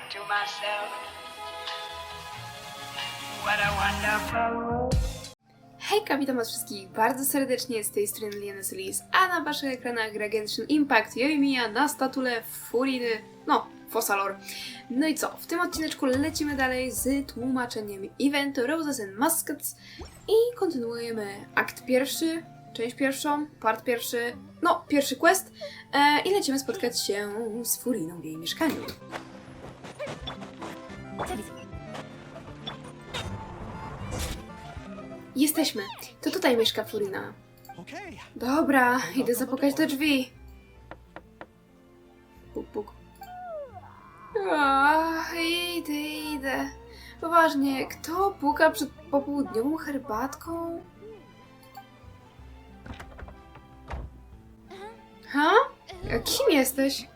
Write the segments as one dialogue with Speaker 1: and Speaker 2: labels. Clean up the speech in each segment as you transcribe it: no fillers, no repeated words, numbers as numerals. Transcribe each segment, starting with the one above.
Speaker 1: to myself, what a wonderful world.
Speaker 2: Hejka, witam was wszystkich bardzo serdecznie, z tej strony Liana Solis, a na waszych ekranach gra Genshin Impact Yoimiya na statule Furiny, Fossalor. No i co, w tym odcineczku lecimy dalej z tłumaczeniem eventu Roses and Muskets i kontynuujemy akt pierwszy, część pierwszą, part pierwszy, pierwszy quest i lecimy spotkać się z Furiną w jej mieszkaniu. Jesteśmy. To tutaj mieszka Furina. Dobra, idę zapukać do drzwi. Puk, puk. Idę. Poważnie, kto puka przed popołudniową herbatką? Ha? Kim jesteś?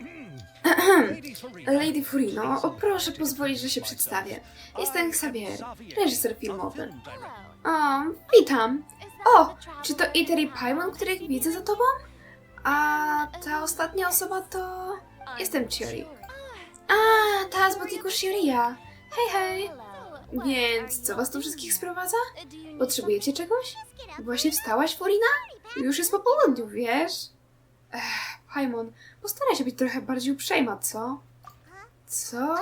Speaker 2: Lady Furino, proszę pozwolić, że się przedstawię. Jestem Xavier, reżyser filmowy. O, witam. O, czy to Iter i Paimon, których widzę za tobą? A ta ostatnia osoba to... Jestem Chiori. A, ta z botiku Shioria. Hej. Więc co was tu wszystkich sprowadza? Potrzebujecie czegoś? Właśnie wstałaś, Furina? Już jest po południu, wiesz? Paimon, postaraj się być trochę bardziej uprzejma, co? Co?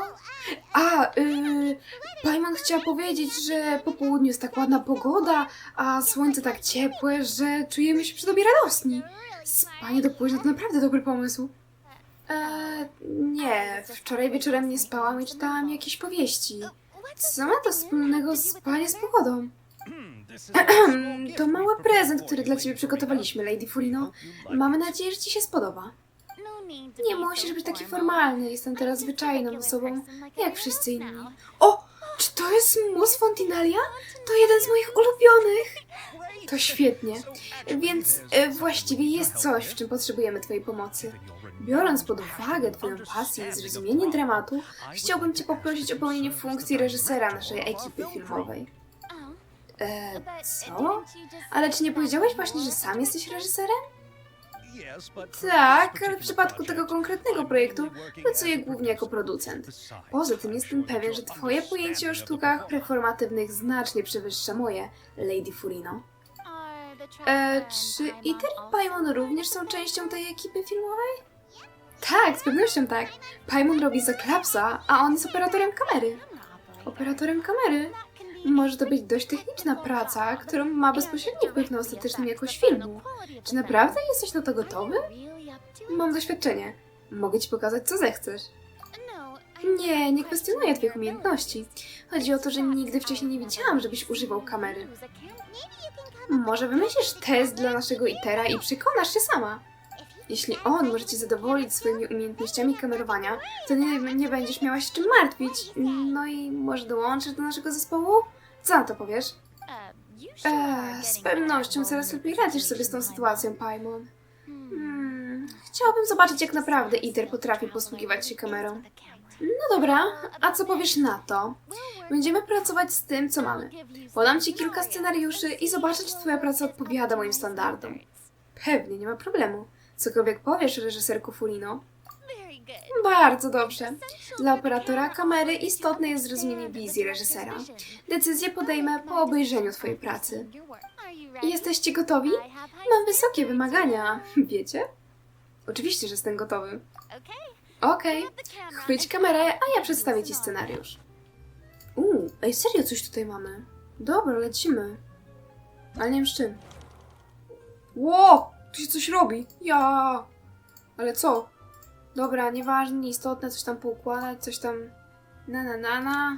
Speaker 2: Paimon chciała powiedzieć, że po południu jest tak ładna pogoda, a słońce tak ciepłe, że czujemy się przy tobie radosni. Spanie do późna to naprawdę dobry pomysł. Nie, wczoraj wieczorem nie spałam i czytałam jakieś powieści. Co ma to wspólnego spanie z pogodą? To mały prezent, który dla ciebie przygotowaliśmy, Lady Furino. Mamy nadzieję, że ci się spodoba. Nie musisz być taki formalny, jestem teraz zwyczajną osobą, jak wszyscy inni. O! Czy to jest mus Fontinalia? To jeden z moich ulubionych! To świetnie. Więc właściwie jest coś, w czym potrzebujemy twojej pomocy. Biorąc pod uwagę twoją pasję i zrozumienie dramatu, chciałbym cię poprosić o pełnienie funkcji reżysera naszej ekipy filmowej. Co? Ale czy nie powiedziałeś właśnie, że sam jesteś reżyserem? Tak, ale w przypadku tego konkretnego projektu pracuję głównie jako producent. Poza tym jestem pewien, że twoje pojęcie o sztukach performatywnych znacznie przewyższa moje, Lady Furino. Czy Iter i Paimon również są częścią tej ekipy filmowej? Tak, z pewnością tak. Paimon robi za Klapsa, a on jest operatorem kamery. Operatorem kamery? Może to być dość techniczna praca, którą ma bezpośredni wpływ na ostateczną jakość filmu. Czy naprawdę jesteś na to gotowy? Mam doświadczenie. Mogę ci pokazać, co zechcesz. Nie kwestionuję twoich umiejętności. Chodzi o to, że nigdy wcześniej nie widziałam, żebyś używał kamery. Może wymyślisz test dla naszego Itera i przekonasz się sama. Jeśli on może cię zadowolić swoimi umiejętnościami kamerowania, to nie będziesz miała się czym martwić. No i może dołączysz do naszego zespołu? Co na to powiesz? Z pewnością coraz lepiej radzisz sobie z tą sytuacją, Paimon. Chciałabym zobaczyć, jak naprawdę Iter potrafi posługiwać się kamerą. No dobra, a co powiesz na to? Będziemy pracować z tym, co mamy. Podam ci kilka scenariuszy i zobaczę, czy twoja praca odpowiada moim standardom. Pewnie, nie ma problemu. Cokolwiek powiesz, reżyserku Furino. Bardzo dobrze. Dla operatora kamery istotne jest zrozumienie wizji reżysera. Decyzję podejmę po obejrzeniu twojej pracy. Jesteście gotowi? Mam wysokie wymagania, wiecie? Oczywiście, że jestem gotowy. Okej. Chwyć kamerę, a ja przedstawię ci scenariusz. Ej, serio coś tutaj mamy. Dobra, lecimy. Ale nie wiem z czym. Ło! Tu się coś robi. Ale co? Dobra, nieważne, nieistotne, coś tam poukładać, coś tam... Na.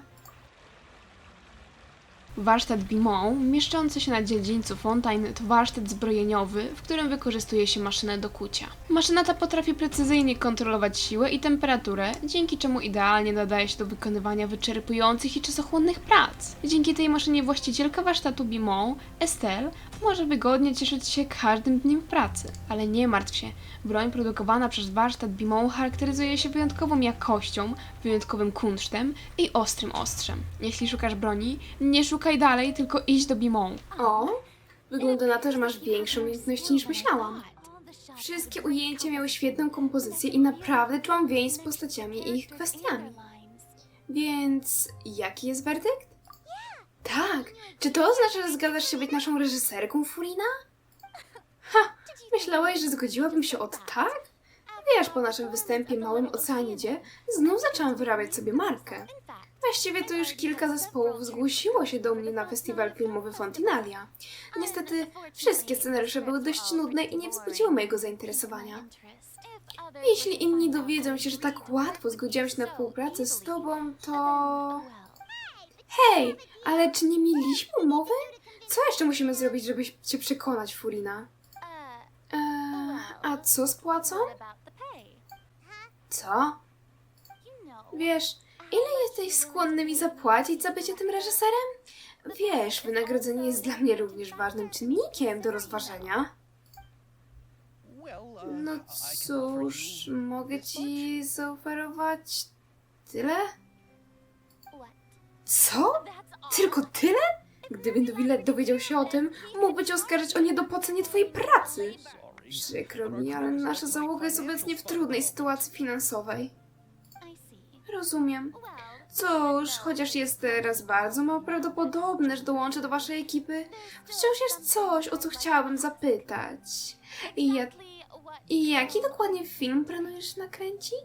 Speaker 2: Warsztat Bimont, mieszczący się na dziedzińcu Fontaine, to warsztat zbrojeniowy, w którym wykorzystuje się maszynę do kucia. Maszyna ta potrafi precyzyjnie kontrolować siłę i temperaturę, dzięki czemu idealnie nadaje się do wykonywania wyczerpujących i czasochłonnych prac. Dzięki tej maszynie właścicielka warsztatu Bimont, Estelle, może wygodnie cieszyć się każdym dniem w pracy. Ale nie martw się, broń produkowana przez warsztat Bimont charakteryzuje się wyjątkową jakością, wyjątkowym kunsztem i ostrym ostrzem. Jeśli szukasz broni, nie szukaj dalej, tylko idź do Bimont. O, wygląda na to, że masz większe umiejętności niż myślałam. Wszystkie ujęcia miały świetną kompozycję i naprawdę czułam więź z postaciami i ich kwestiami. Więc jaki jest werdykt? Tak. Czy to oznacza, że zgadzasz się być naszą reżyserką, Furina? Ha! Myślałaś, że zgodziłabym się od tak? Wiesz, po naszym występie Małym Oceanidzie znów zaczęłam wyrabiać sobie markę. Właściwie to już kilka zespołów zgłosiło się do mnie na festiwal filmowy Fontinalia. Niestety wszystkie scenariusze były dość nudne i nie wzbudziły mojego zainteresowania. Jeśli inni dowiedzą się, że tak łatwo zgodziłam się na współpracę z tobą, to... Hej, ale czy nie mieliśmy umowy? Co jeszcze musimy zrobić, żeby cię przekonać, Furina? A co z płacą? Co? Wiesz, ile jesteś skłonny mi zapłacić za bycie tym reżyserem? Wiesz, wynagrodzenie jest dla mnie również ważnym czynnikiem do rozważenia. No cóż, mogę ci zaoferować tyle? Co? Tylko tyle? Gdyby Nowile dowiedział się o tym, mógłby cię oskarżyć o niedopłacenie twojej pracy. Przykro mi, ale nasza załoga jest obecnie w trudnej sytuacji finansowej. Rozumiem. Cóż, chociaż jest teraz bardzo mało prawdopodobne, że dołączę do waszej ekipy, wciąż jest coś, o co chciałabym zapytać. I jaki dokładnie film planujesz nakręcić?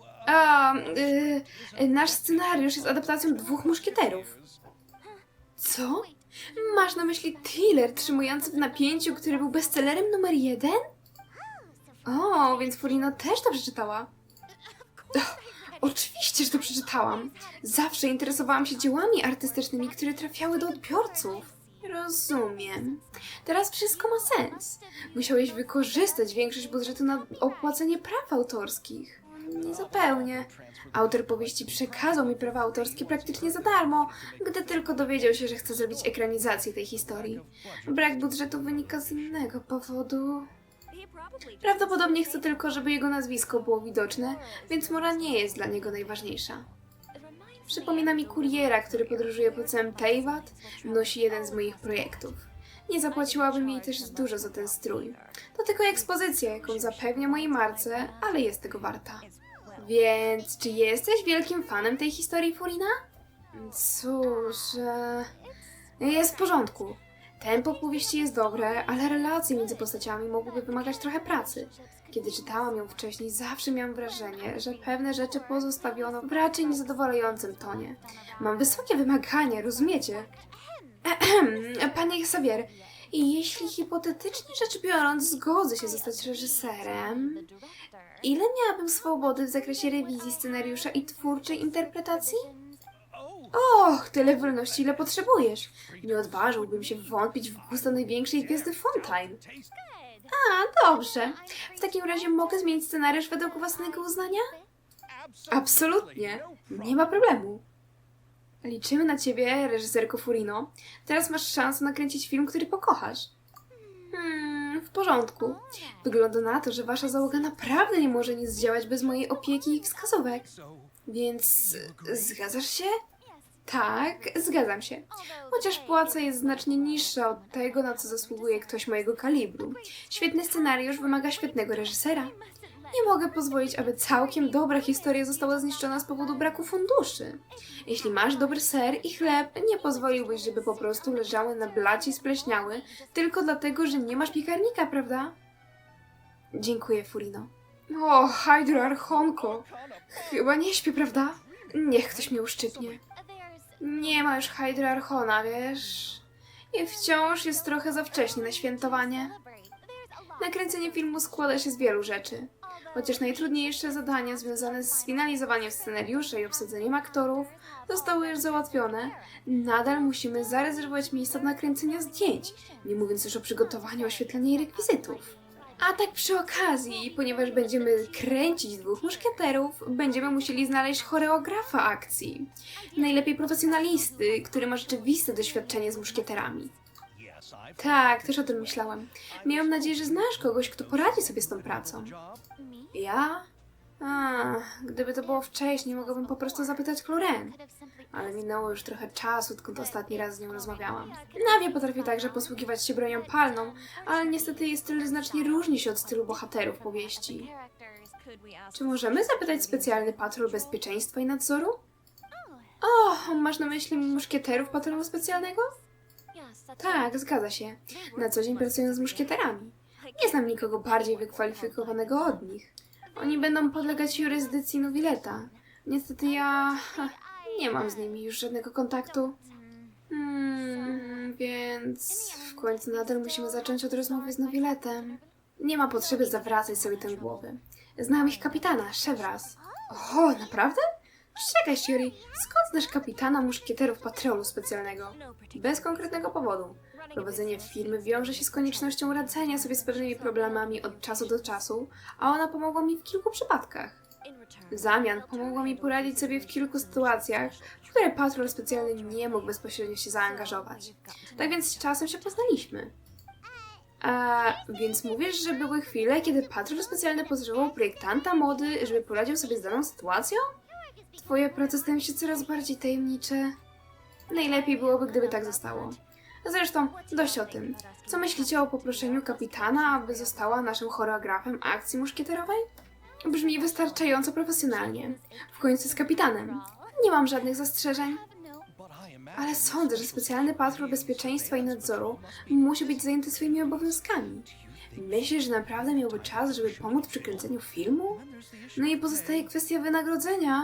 Speaker 2: Nasz scenariusz jest adaptacją Dwóch Muszkieterów. Co? Masz na myśli thriller trzymujący w napięciu, który był bestsellerem numer 1? O, więc Furina też to przeczytała. Oczywiście, że to przeczytałam. Zawsze interesowałam się dziełami artystycznymi, które trafiały do odbiorców. Rozumiem. Teraz wszystko ma sens. Musiałeś wykorzystać większość budżetu na opłacenie praw autorskich. Niezupełnie. Autor powieści przekazał mi prawa autorskie praktycznie za darmo, gdy tylko dowiedział się, że chcę zrobić ekranizację tej historii. Brak budżetu wynika z innego powodu. Prawdopodobnie chce tylko, żeby jego nazwisko było widoczne, więc mora nie jest dla niego najważniejsza. Przypomina mi kuriera, który podróżuje po całym Teyvat, nosi jeden z moich projektów. Nie zapłaciłabym jej też dużo za ten strój. To tylko ekspozycja, jaką zapewnia mojej marce, ale jest tego warta. Więc czy jesteś wielkim fanem tej historii, Furina? Cóż, jest w porządku. Tempo powieści jest dobre, ale relacje między postaciami mogłyby wymagać trochę pracy. Kiedy czytałam ją wcześniej, zawsze miałam wrażenie, że pewne rzeczy pozostawiono w raczej niezadowalającym tonie. Mam wysokie wymagania, rozumiecie? Panie Xavier, i jeśli hipotetycznie rzecz biorąc zgodzę się zostać reżyserem, ile miałabym swobody w zakresie rewizji scenariusza i twórczej interpretacji? Och, tyle wolności, ile potrzebujesz. Nie odważyłbym się wątpić w gusta największej gwiazdy Fontaine. A, dobrze. W takim razie mogę zmienić scenariusz według własnego uznania? Absolutnie. Nie ma problemu. Liczymy na ciebie, reżyserko Furino. Teraz masz szansę nakręcić film, który pokochasz. W porządku. Wygląda na to, że wasza załoga naprawdę nie może nic zdziałać bez mojej opieki i wskazówek. Więc zgadzasz się? Tak, zgadzam się. Chociaż płaca jest znacznie niższa od tego, na co zasługuje ktoś mojego kalibru. Świetny scenariusz wymaga świetnego reżysera. Nie mogę pozwolić, aby całkiem dobra historia została zniszczona z powodu braku funduszy. Jeśli masz dobry ser i chleb, nie pozwoliłbyś, żeby po prostu leżały na blacie i spleśniały, tylko dlatego, że nie masz piekarnika, prawda? Dziękuję, Furino. O, Hydroarchonko! Chyba nie śpię, prawda? Niech ktoś mnie uszczypnie. Nie ma już Hydroarchona, wiesz? I wciąż jest trochę za wcześnie na świętowanie. Nakręcenie filmu składa się z wielu rzeczy. Chociaż najtrudniejsze zadania związane z sfinalizowaniem scenariusza i obsadzeniem aktorów zostały już załatwione, nadal musimy zarezerwować miejsca do nakręcenia zdjęć, nie mówiąc już o przygotowaniu oświetlenia i rekwizytów. A tak przy okazji, ponieważ będziemy kręcić Dwóch Muszkieterów, będziemy musieli znaleźć choreografa akcji. Najlepiej profesjonalisty, który ma rzeczywiste doświadczenie z muszkieterami. Tak, też o tym myślałam. Miałam nadzieję, że znasz kogoś, kto poradzi sobie z tą pracą. Ja? Gdyby to było wcześniej, mogłabym po prostu zapytać Cloren. Ale minęło już trochę czasu, odkąd ostatni raz z nią rozmawiałam. Nawie potrafi także posługiwać się bronią palną, ale niestety jej styl znacznie różni się od stylu bohaterów powieści. Czy możemy zapytać specjalny patrol bezpieczeństwa i nadzoru? O, masz na myśli muszkieterów patrolu specjalnego? Tak, zgadza się. Na co dzień pracuję z muszkieterami. Nie znam nikogo bardziej wykwalifikowanego od nich. Oni będą podlegać jurysdykcji Nowileta. Niestety nie mam z nimi już żadnego kontaktu. Więc w końcu nadal musimy zacząć od rozmowy z Nowiletem. Nie ma potrzeby zawracać sobie tę głowę. Znam ich kapitana, Szewras. O, naprawdę? Czekaj, Shuri, skąd znasz kapitana muszkieterów patrolu specjalnego? Bez konkretnego powodu. Prowadzenie firmy wiąże się z koniecznością radzenia sobie z pewnymi problemami od czasu do czasu, a ona pomogła mi w kilku przypadkach. W zamian pomogła mi poradzić sobie w kilku sytuacjach, w które patrol specjalny nie mógł bezpośrednio się zaangażować. Tak więc z czasem się poznaliśmy. Więc mówisz, że były chwile, kiedy patrol specjalny potrzebował projektanta mody, żeby poradził sobie z daną sytuacją? Twoje prace stają się coraz bardziej tajemnicze. Najlepiej byłoby, gdyby tak zostało. Zresztą, dość o tym. Co myślicie o poproszeniu kapitana, aby została naszym choreografem akcji muszkieterowej? Brzmi wystarczająco profesjonalnie. W końcu z kapitanem. Nie mam żadnych zastrzeżeń. Ale sądzę, że specjalny patrol bezpieczeństwa i nadzoru musi być zajęty swoimi obowiązkami. Myślisz, że naprawdę miałby czas, żeby pomóc przy kręceniu filmu? No i pozostaje kwestia wynagrodzenia.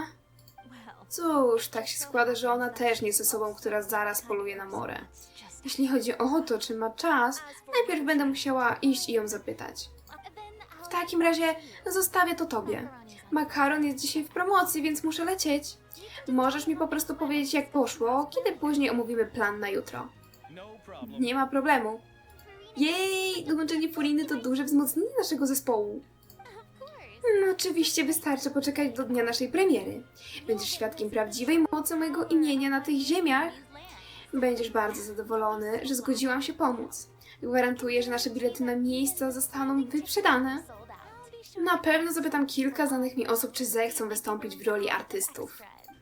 Speaker 2: Cóż, tak się składa, że ona też nie jest osobą, która zaraz poluje na morę. Jeśli chodzi o to, czy ma czas, najpierw będę musiała iść i ją zapytać. W takim razie zostawię to tobie. Makaron jest dzisiaj w promocji, więc muszę lecieć. Możesz mi po prostu powiedzieć, jak poszło, kiedy później omówimy plan na jutro. Nie ma problemu. Jej, dołączenie Furiny to duże wzmocnienie naszego zespołu. No, oczywiście wystarczy poczekać do dnia naszej premiery. Będziesz świadkiem prawdziwej mocy mojego imienia na tych ziemiach. Będziesz bardzo zadowolony, że zgodziłam się pomóc. Gwarantuję, że nasze bilety na miejsca zostaną wyprzedane. Na pewno zapytam kilka znanych mi osób, czy zechcą wystąpić w roli artystów.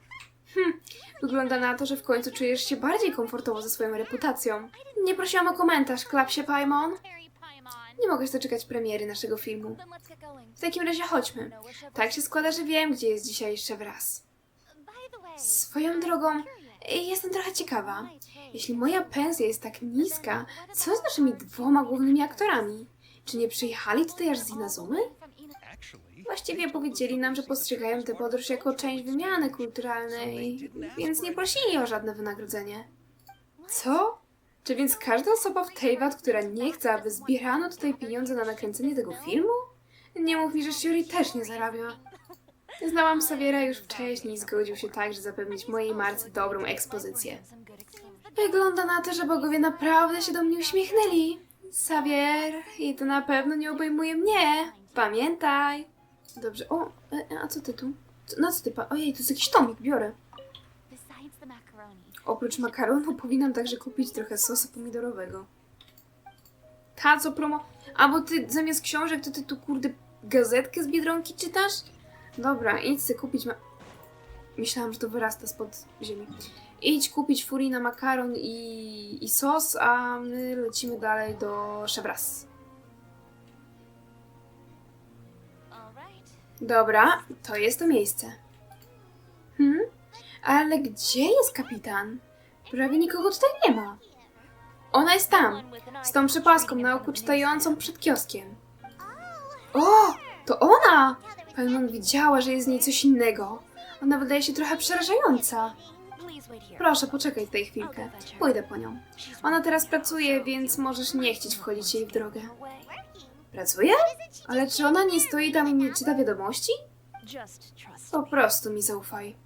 Speaker 2: Wygląda na to, że w końcu czujesz się bardziej komfortowo ze swoją reputacją. Nie prosiłam o komentarz, Klapsie Paimon. Nie mogę się doczekać premiery naszego filmu. W takim razie chodźmy. Tak się składa, że wiem, gdzie jest dzisiaj Szewras. Swoją drogą, jestem trochę ciekawa. Jeśli moja pensja jest tak niska, co z naszymi dwoma głównymi aktorami? Czy nie przyjechali tutaj aż z Inazumy? Właściwie powiedzieli nam, że postrzegają tę podróż jako część wymiany kulturalnej, więc nie prosili o żadne wynagrodzenie. Co? Czy więc każda osoba w Teyvat, która nie chce, aby zbierano tutaj pieniądze na nakręcenie tego filmu? Nie mów mi, że Shuri też nie zarabia. Znałam Saviera już wcześniej i zgodził się także zapewnić mojej marce dobrą ekspozycję. Wygląda na to, że bogowie naprawdę się do mnie uśmiechnęli. Savier, i to na pewno nie obejmuje mnie. Pamiętaj. Dobrze, a co ty tu? Na co ty Ojej, to jest jakiś tomik, biorę. Oprócz makaronu powinnam także kupić trochę sosu pomidorowego. Ta co promo... A bo ty zamiast książek to ty tu kurde gazetkę z Biedronki czytasz? Dobra, idź sobie kupić Myślałam, że to wyrasta spod ziemi. Idź kupić furii na makaron i sos, a my lecimy dalej do Szewras. Dobra, to jest to miejsce. Ale gdzie jest kapitan? Prawie nikogo tutaj nie ma. Ona jest tam, z tą przepaską na oku czytającą przed kioskiem. O, to ona! Paimon widziała, że jest z niej coś innego. Ona wydaje się trochę przerażająca. Proszę, poczekaj tutaj chwilkę. Pójdę po nią. Ona teraz pracuje, więc możesz nie chcieć wchodzić jej w drogę. Pracuje? Ale czy ona nie stoi tam i nie czyta wiadomości? Po prostu mi zaufaj.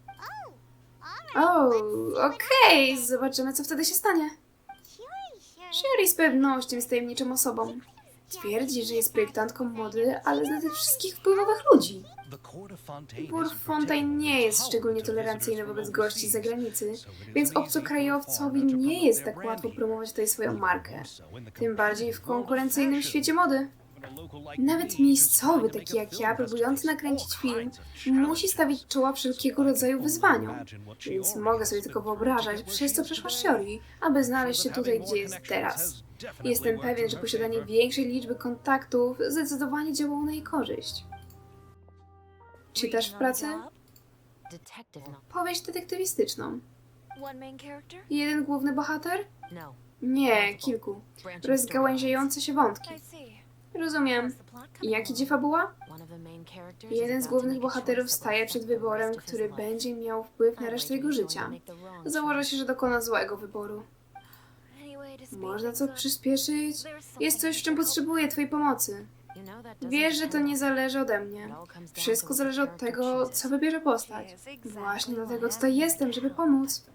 Speaker 2: O, okej. Zobaczymy, co wtedy się stanie. Shuri z pewnością jest tajemniczą osobą. Twierdzi, że jest projektantką mody, ale zna tych wszystkich wpływowych ludzi. Dwór Fontaine nie jest szczególnie tolerancyjny wobec gości z zagranicy, więc obcokrajowcowi nie jest tak łatwo promować tutaj swoją markę. Tym bardziej w konkurencyjnym świecie mody. Nawet miejscowy, taki jak ja, próbujący nakręcić film, musi stawić czoła wszelkiego rodzaju wyzwaniom. Więc mogę sobie tylko wyobrażać, przez co przeszła Shuri, aby znaleźć się tutaj, gdzie jest teraz. Jestem pewien, że posiadanie większej liczby kontaktów zdecydowanie działało na jej korzyść. Czytasz w pracy? Powieść detektywistyczną.
Speaker 3: One main character?
Speaker 2: Jeden główny bohater?
Speaker 3: No.
Speaker 2: Nie, kilku. Rozgałęziające się wątki.
Speaker 3: I see.
Speaker 2: Rozumiem.
Speaker 3: How's the plot
Speaker 2: I
Speaker 3: coming
Speaker 2: jaki
Speaker 3: along?
Speaker 2: dziewa była?
Speaker 3: One of the main characters
Speaker 2: Jeden
Speaker 3: is
Speaker 2: z
Speaker 3: about to
Speaker 2: głównych
Speaker 3: make a
Speaker 2: bohaterów
Speaker 3: choice that
Speaker 2: staje
Speaker 3: will
Speaker 2: przed
Speaker 3: affect the
Speaker 2: wyborem,
Speaker 3: rest of
Speaker 2: który
Speaker 3: his life.
Speaker 2: będzie miał wpływ na
Speaker 3: I'd
Speaker 2: resztę
Speaker 3: wager
Speaker 2: jego
Speaker 3: he'll
Speaker 2: życia.
Speaker 3: make the wrong
Speaker 2: Założę
Speaker 3: choice.
Speaker 2: się, że dokona złego wyboru.
Speaker 3: Anyway, to speed
Speaker 2: Można
Speaker 3: things
Speaker 2: co
Speaker 3: up,
Speaker 2: przyspieszyć? Jest coś, w czym potrzebuję twojej pomocy.
Speaker 3: you know that doesn't
Speaker 2: Wiesz, że to
Speaker 3: depend
Speaker 2: nie
Speaker 3: on
Speaker 2: zależy ode
Speaker 3: me.
Speaker 2: mnie.
Speaker 3: It all comes down
Speaker 2: Wszystko
Speaker 3: to what
Speaker 2: zależy od
Speaker 3: character
Speaker 2: tego,
Speaker 3: chooses.
Speaker 2: co wybierze postać.
Speaker 3: Yes, exactly
Speaker 2: Właśnie
Speaker 3: what
Speaker 2: dlatego tutaj
Speaker 3: happened.
Speaker 2: jestem, żeby pomóc.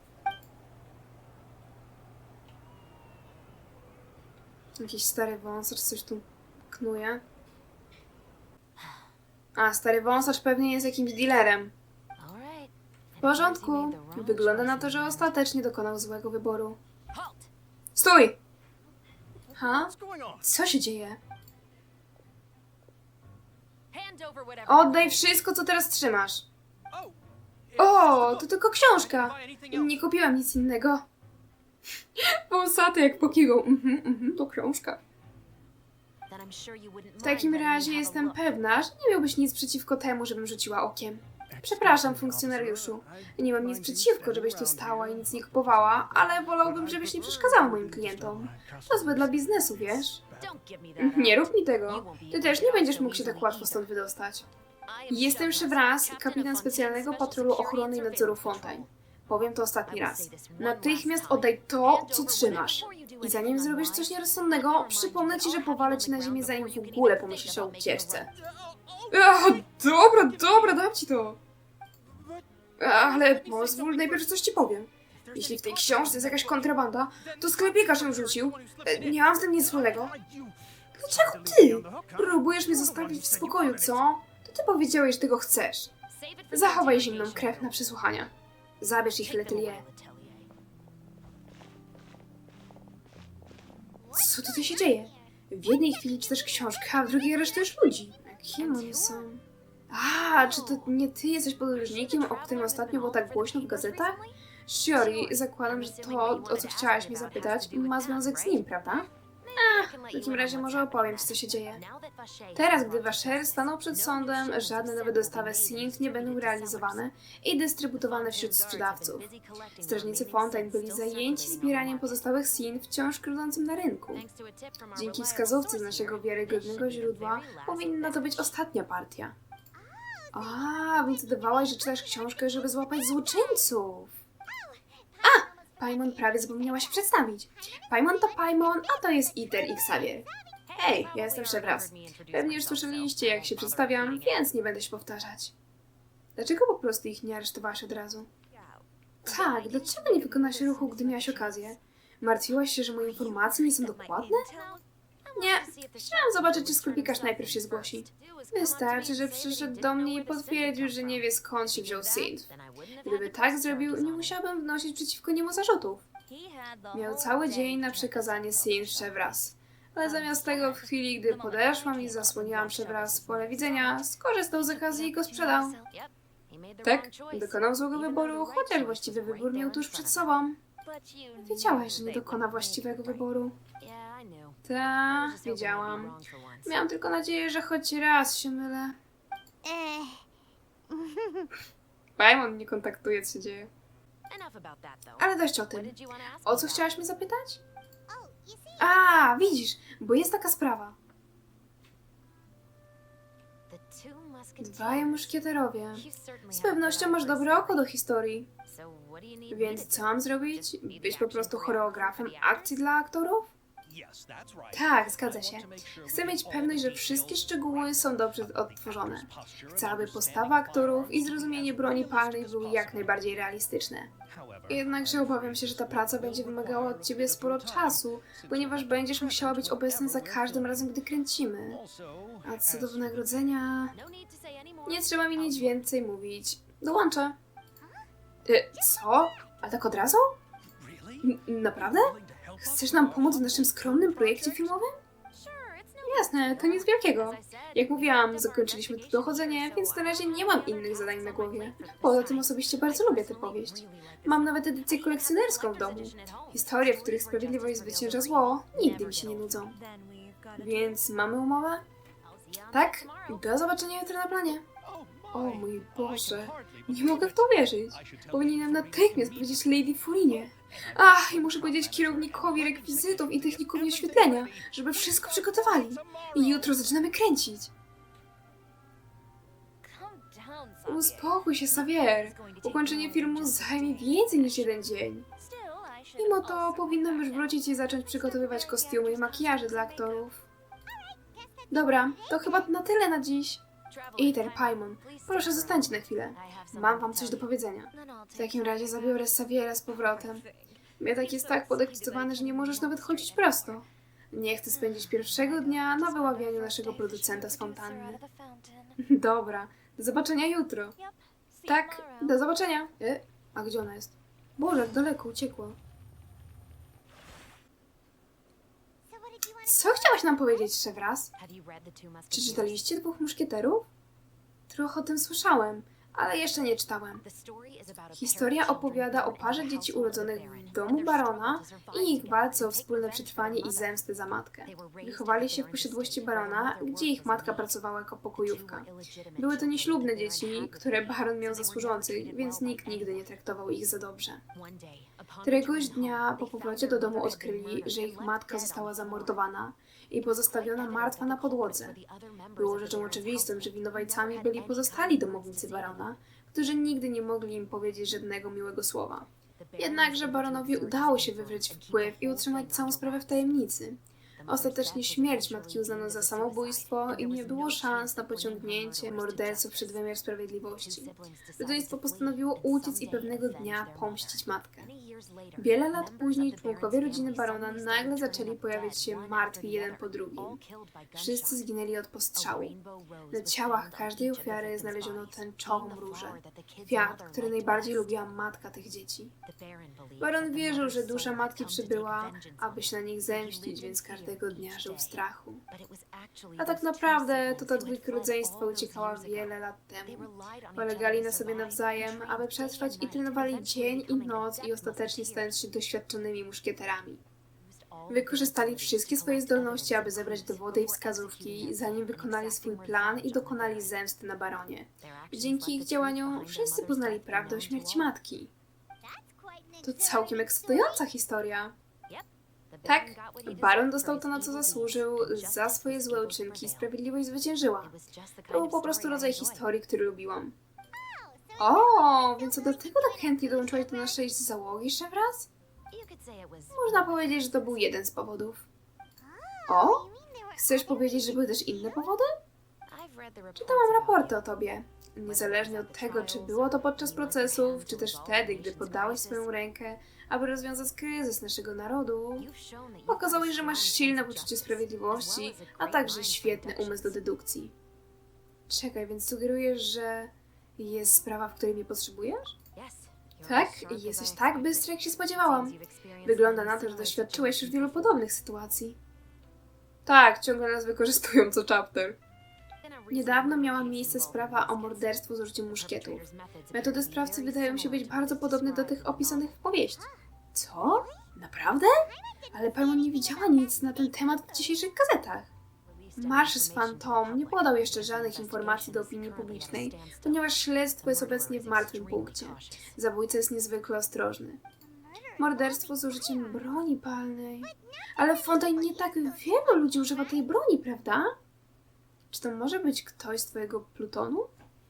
Speaker 2: Jakiś stary wąsacz coś tu knuje. A, stary wąsacz pewnie jest jakimś dealerem.
Speaker 3: All right.
Speaker 2: W porządku. Wygląda na to, że ostatecznie dokonał złego wyboru.
Speaker 3: Halt!
Speaker 2: Stój! Ha?
Speaker 4: What's going on?
Speaker 2: Co się dzieje?
Speaker 3: Hand over whatever.
Speaker 2: Oddaj wszystko, co teraz trzymasz.
Speaker 4: Oh,
Speaker 2: O, to tylko książka.
Speaker 4: buy anything else.
Speaker 2: Nie kupiłam nic innego. Wąsaty jak pokiwał. To książka.
Speaker 3: Then I'm sure you wouldn't
Speaker 2: W takim
Speaker 3: mind letting me
Speaker 2: razie
Speaker 3: have a
Speaker 2: jestem
Speaker 3: look.
Speaker 2: pewna, że nie miałbyś nic przeciwko temu, żebym rzuciła okiem. Przepraszam, funkcjonariuszu. Nie mam nic przeciwko, żebyś tu stała i nic nie kupowała, ale wolałbym, żebyś nie przeszkadzała moim klientom. To złe dla biznesu, wiesz?
Speaker 3: Don't give me that
Speaker 2: Nie
Speaker 3: out.
Speaker 2: rób mi tego. Ty też nie będziesz mógł się tak łatwo stąd wydostać.
Speaker 3: I am
Speaker 2: Jestem
Speaker 3: Chevron,
Speaker 2: Chevras, kapitan specjalnego patrolu ochrony i nadzoru Fontaine. Powiem to ostatni raz. Natychmiast oddaj to, co trzymasz. I zanim zrobisz coś nierozsądnego, przypomnę ci, że powalę ci na ziemię, zanim w ogóle pomyślisz o ucieczce. Dobra, dam ci to. Ale pozwól, najpierw coś ci powiem. Jeśli w tej książce jest jakaś kontrabanda, to sklepikarz ją rzucił. Nie mam z tym nic wspólnego. Dlaczego ty? Próbujesz mnie zostawić w spokoju, co? To ty powiedziałeś, że tego chcesz. Zachowaj zimną krew na przesłuchania. Zabierz ich Letelier. Co tutaj się dzieje? W jednej chwili czytasz książkę, a w drugiej aresztujesz ludzi. Kim oni są? A, czy to nie ty jesteś podróżnikiem, o którym ostatnio było tak głośno w gazetach? Shiori, zakładam, że to, o co chciałaś mnie zapytać, ma związek z nim, prawda? W takim razie może opowiem ci, co się dzieje. Teraz, gdy Washer stanął przed sądem, żadne nowe dostawy Synth nie będą realizowane i dystrybutowane wśród sprzedawców. Strażnicy Fontaine byli zajęci zbieraniem pozostałych Synth wciąż krążącym na rynku. Dzięki wskazówce z naszego wiarygodnego źródła powinna to być ostatnia partia. A, więc udawałaś, że czytasz książkę, żeby złapać złoczyńców. Paimon prawie zapomniała się przedstawić. Paimon to Paimon, a to jest Iter i Xavier. Hej, ja jestem Chevras. Pewnie już słyszeliście, jak się przedstawiam, więc nie będę się powtarzać. Dlaczego po prostu ich nie aresztowałaś od razu? Tak, dlaczego nie wykonałaś ruchu, gdy miałaś okazję? Martwiłaś się, że moje informacje nie są dokładne? Nie, chciałam zobaczyć, czy sklepikarz najpierw się zgłosi. Wystarczy, że przyszedł do mnie i potwierdził, że nie wie, skąd się wziął Synth. Gdyby tak zrobił, nie musiałabym wnosić przeciwko niemu zarzutów. Miał cały dzień na przekazanie Synth Chevras. Ale zamiast tego, w chwili, gdy podeszłam i zasłoniłam Chevras z pola widzenia, skorzystał z okazji i go sprzedał. Tak, dokonał złego wyboru, chociaż właściwy wybór miał tuż przed sobą. Wiedziałaś, że nie dokona właściwego wyboru. Ta, wiedziałam. Miałam tylko nadzieję, że choć raz się mylę. Paimon nie kontaktuje, co się dzieje. Ale dość o tym. O co chciałaś mnie zapytać? A, widzisz, bo jest taka sprawa. Dwaj muszkieterowie. Z pewnością masz dobre oko do historii. Więc co mam zrobić? Być po prostu choreografem akcji dla aktorów? Tak, zgadza się. Chcę mieć pewność, że wszystkie szczegóły są dobrze odtworzone. Chcę, aby postawa aktorów i zrozumienie broni palnej były jak najbardziej realistyczne. Jednakże obawiam się, że ta praca będzie wymagała od ciebie sporo czasu, ponieważ będziesz musiała być obecna za każdym razem, gdy kręcimy. A co do wynagrodzenia... Nie trzeba mi nic więcej mówić. Dołączę. Co? A tak od razu? Naprawdę? Chcesz nam pomóc w naszym skromnym projekcie filmowym? Jasne, to nic wielkiego. Jak mówiłam, zakończyliśmy tu dochodzenie, więc na razie nie mam innych zadań na głowie. Poza tym osobiście bardzo lubię tę powieść. Mam nawet edycję kolekcjonerską w domu. Historie, w których sprawiedliwość zwycięża zło, nigdy mi się nie nudzą. Więc mamy umowę? Tak? Do zobaczenia jutro na planie. O mój Boże, nie mogę w to wierzyć. Powinienem natychmiast powiedzieć Lady Furinie. Ach, i muszę powiedzieć kierownikowi rekwizytów i technikowi oświetlenia, żeby wszystko przygotowali. I jutro zaczynamy kręcić. Uspokój się, Xavier. Ukończenie filmu zajmie więcej niż jeden dzień. Mimo to powinnam już wrócić i zacząć przygotowywać kostiumy i makijaże dla aktorów. Dobra, to chyba na tyle na dziś. Ether, Paimon, proszę zostańcie na chwilę. Mam wam coś do powiedzenia. W takim razie zabiorę Xaviera z powrotem. Mietek jest tak podekscytowany, że nie możesz nawet chodzić prosto. Nie chcę spędzić pierwszego dnia na wyławianiu naszego producenta z fontanny. Dobra, do zobaczenia jutro. Tak, do zobaczenia. A gdzie ona jest? Boże, jak daleko uciekła. Co chciałaś nam powiedzieć jeszcze raz? Czy czytaliście Dwóch Muszkieterów? Trochę o tym słyszałem, ale jeszcze nie czytałem. Historia opowiada o parze dzieci urodzonych w domu barona i ich walce o wspólne przetrwanie i zemstę za matkę. Wychowali się w posiadłości barona, gdzie ich matka pracowała jako pokojówka. Były to nieślubne dzieci, które baron miał za służących, więc nikt nigdy nie traktował ich za dobrze. Któregoś dnia po powrocie do domu odkryli, że ich matka została zamordowana i pozostawiona martwa na podłodze. Było rzeczą oczywistą, że winowajcami byli pozostali domownicy barona, którzy nigdy nie mogli im powiedzieć żadnego miłego słowa. Jednakże baronowi udało się wywrzeć wpływ i utrzymać całą sprawę w tajemnicy. Ostatecznie śmierć matki uznano za samobójstwo i nie było szans na pociągnięcie morderców przed wymiar sprawiedliwości. Rodzeństwo postanowiło uciec i pewnego dnia pomścić matkę. Wiele lat później członkowie rodziny barona nagle zaczęli pojawiać się martwi jeden po drugim. Wszyscy zginęli od postrzału. Na ciałach każdej ofiary znaleziono tęczową różę, kwiat, który najbardziej lubiła matka tych dzieci. Baron wierzył, że dusza matki przybyła, aby się na nich zemścić, więc każdego dnia żył w strachu. A tak naprawdę to ta dwójka rodzeństwa uciekała wiele lat temu. Polegali na sobie nawzajem, aby przetrwać i trenowali dzień i noc i ostatecznie stając się doświadczonymi muszkieterami. Wykorzystali wszystkie swoje zdolności, aby zebrać dowody i wskazówki, zanim wykonali swój plan i dokonali zemsty na baronie. Dzięki ich działaniom wszyscy poznali prawdę o śmierci matki. To całkiem ekscytująca historia. Tak, baron dostał to, na co zasłużył, za swoje złe uczynki i sprawiedliwość zwyciężyła. To był po prostu rodzaj historii, który lubiłam. O, więc to dlatego tak chętnie dołączyłaś do naszej załogi, Szewraz? Można powiedzieć, że to był jeden z powodów. O? Chcesz powiedzieć, że były też inne powody? Czytałam raporty o tobie. Niezależnie od tego, czy było to podczas procesów, czy też wtedy, gdy poddałeś swoją rękę, aby rozwiązać kryzys naszego narodu, pokazałeś, że masz silne poczucie sprawiedliwości, a także świetny umysł do dedukcji. Czekaj, więc sugerujesz, że jest sprawa, w której mnie potrzebujesz? Tak, jesteś tak bystry, jak się spodziewałam. Wygląda na to, że doświadczyłeś już wielu podobnych sytuacji. Tak, ciągle nas wykorzystują co chapter. Niedawno miała miejsce sprawa o morderstwo z użyciem muszkietów. Metody sprawcy wydają się być bardzo podobne do tych opisanych w powieści. Co? Naprawdę? Ale Paimon nie widziała nic na ten temat w dzisiejszych gazetach. Marsz z Phantom nie podał jeszcze żadnych informacji do opinii publicznej, ponieważ śledztwo jest obecnie w martwym punkcie. Zabójca jest niezwykle ostrożny. Morderstwo z użyciem broni palnej. Ale w Fontaine nie tak wielu ludzi używa tej broni, prawda? Czy to może być ktoś z twojego plutonu?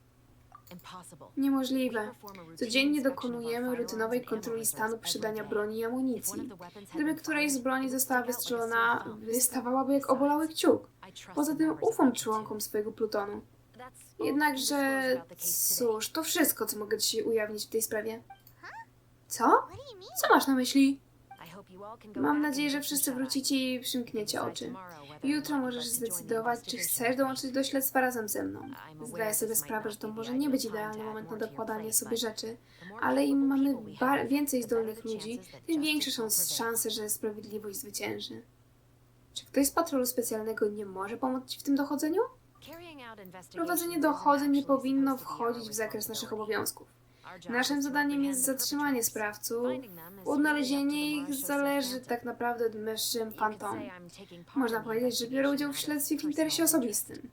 Speaker 2: Niemożliwe. Codziennie dokonujemy rutynowej kontroli stanu przydania broni i amunicji. Gdyby któraś z broni została wystrzelona, wystawałaby jak obolały kciuk. Poza tym ufam członkom swojego plutonu. Jednakże, cóż, to wszystko, co mogę ci ujawnić w tej sprawie. Co? Co masz na myśli? Mam nadzieję, że wszyscy wrócicie i przymkniecie oczy. Jutro możesz zdecydować, czy chcesz dołączyć do śledztwa razem ze mną. Zdaję sobie sprawę, że to może nie być idealny moment na dokładanie sobie rzeczy, ale im mamy więcej zdolnych ludzi, tym większe są szanse, że sprawiedliwość zwycięży. Czy ktoś z patrolu specjalnego nie może pomóc ci w tym dochodzeniu? Prowadzenie dochodzeń nie powinno wchodzić w zakres naszych obowiązków. Naszym zadaniem jest zatrzymanie sprawców. Odnalezienie ich zależy tak naprawdę od mężczyzn Phantom. Można powiedzieć, że biorę udział w śledztwie w interesie osobistym.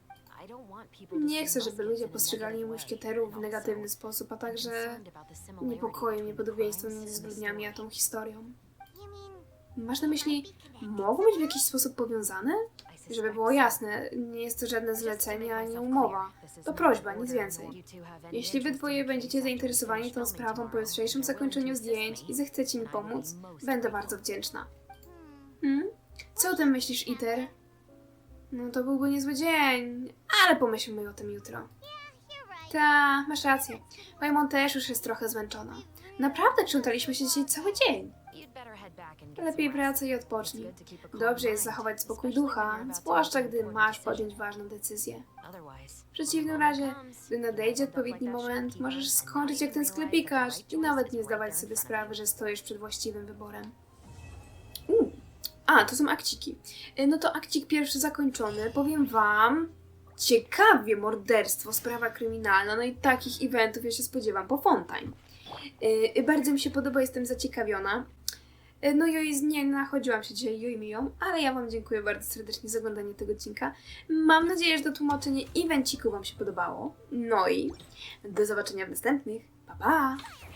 Speaker 2: Nie chcę, żeby ludzie postrzegali muszkieterów w negatywny sposób, a także niepokoi mnie podobieństwo między zbrodniami a tą historią. Masz na myśli, mogą być w jakiś sposób powiązane? Żeby było jasne, nie jest to żadne zlecenie ani umowa. To prośba, nic więcej. Jeśli wy dwoje będziecie zainteresowani tą sprawą po jutrzejszym zakończeniu zdjęć i zechcecie mi pomóc, będę bardzo wdzięczna. Co o tym myślisz, Iter? No to byłby niezły dzień, ale pomyślmy o tym jutro. Ta, masz rację. Paimon też już jest trochę zmęczona. Naprawdę krzątaliśmy się dzisiaj cały dzień. Lepiej wracaj i odpocznij. Dobrze jest zachować spokój ducha, zwłaszcza gdy masz podjąć ważną decyzję. W przeciwnym razie, gdy nadejdzie odpowiedni moment, możesz skończyć jak ten sklepikarz i nawet nie zdawać sobie sprawy, że stoisz przed właściwym wyborem. A, to są akciki. No to akcik pierwszy zakończony. Powiem wam, ciekawie morderstwo, sprawa kryminalna, no i takich eventów ja się spodziewam po Fontaine. Bardzo mi się podoba, jestem zaciekawiona. No i nie nachodziłam się dzisiaj Juimią, ale ja wam dziękuję bardzo serdecznie za oglądanie tego odcinka. Mam nadzieję, że to tłumaczenie evenciku wam się podobało. No i do zobaczenia w następnych. Pa, pa!